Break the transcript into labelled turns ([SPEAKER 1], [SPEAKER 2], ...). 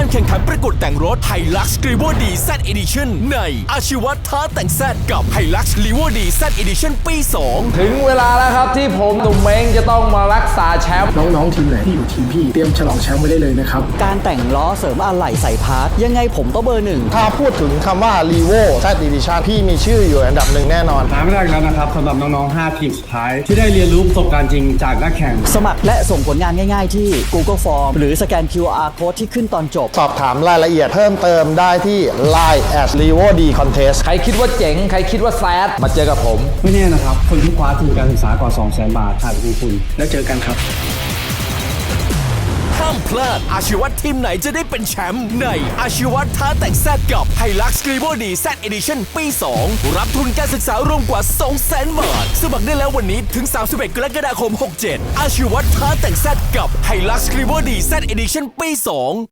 [SPEAKER 1] การแข่งขันประกวดแต่งรถ Hilux Revo D Z Edition ในอาชีวะท้าแต่ง Z กับ Hilux Revo D Z Edition ปี 2
[SPEAKER 2] ถึงเวลาแล้วครับที่ผมหนุ่มเม้งจะต้องมารักษาแชมป์
[SPEAKER 3] น้องๆทีมไหนที่อยู่ทีมพี่เตรียมฉลองแชมป์ไว้ได้เลยนะครับ
[SPEAKER 4] การแต่งล้อเสริมอะไหล่ใส่พาร์ทยังไงผมก็เบอร์หนึ่ง
[SPEAKER 5] ถ้าพูดถึงคำว่า Revo Z Edition พี่มีชื่ออยู่อันดับหนึ่งแน่นอน
[SPEAKER 6] น้ำแรกแล้วนะครับสำหรับน้องๆ 5 ทีมสุดท้าย ที่ได้เรียนรู้ประสบการณ์จริงจากนักแข่ง
[SPEAKER 4] สมัครและส่งผลงานง่ายๆที่ Google Form หรือสแกน QR Code ที่ขึ้นตอนจบ
[SPEAKER 5] สอบถามรายละเอียดเพิ่มเติมได้ที่ Line @Revo D Contest
[SPEAKER 2] ใครคิดว่าเจ๋งใครคิดว่าแซดมาเจอกับผม
[SPEAKER 6] ไม่แน่นะครับ คนที่คว้าทุนการศึกษากว่า 200,000 บาทอาจเป็นคุณ
[SPEAKER 3] แล้วเจอกันครับ
[SPEAKER 1] ห้ามพลาดอาชีวะทีมไหนจะได้เป็นแชมป์ในอาชีวะท้าแต่ง Z กับ Hilux Revo D Z Edition ปี 2 รับทุนการศึกษารวมกว่า 200,000 บาทสมัครได้แล้ววันนี้ถึง 31 กรกฎาคม 67 อาชีวะท้าแต่ง Z กับ Hilux Revo D Z Edition ปี 2